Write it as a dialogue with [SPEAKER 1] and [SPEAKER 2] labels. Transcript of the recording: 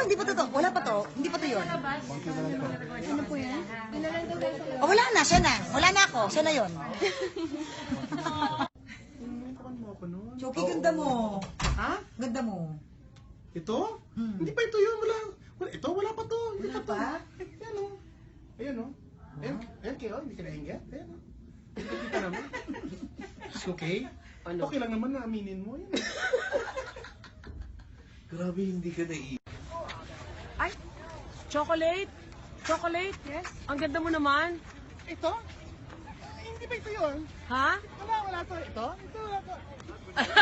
[SPEAKER 1] hindi pa to. Wala pa to. Hindi pa to yun.
[SPEAKER 2] Ano po yan?
[SPEAKER 1] Oh, wala na, siya na. Wala na ako, siya na yun. Choki, ganda mo.
[SPEAKER 3] Ha?
[SPEAKER 1] Ganda mo.
[SPEAKER 3] Ito?
[SPEAKER 1] Hmm.
[SPEAKER 3] Hindi pa ito yun. Ito, wala pa to. Hindi
[SPEAKER 1] Wala
[SPEAKER 3] pa to.
[SPEAKER 1] pa?
[SPEAKER 3] Ayan o. Ayan o. Ayan kayo, hindi ka naingat. Ayan o. Kita naman. It's okay?
[SPEAKER 4] Ano?
[SPEAKER 3] Okay lang naman na aminin mo. Yan.
[SPEAKER 4] Grabe, hindi ka naiiyak.
[SPEAKER 5] Ay, chocolate? Chocolate?
[SPEAKER 2] Yes?
[SPEAKER 5] Ang ganda mo naman.
[SPEAKER 3] Ito? Ay, hindi pa ito yun.
[SPEAKER 5] Ha?
[SPEAKER 3] Wala to. Ito wala to.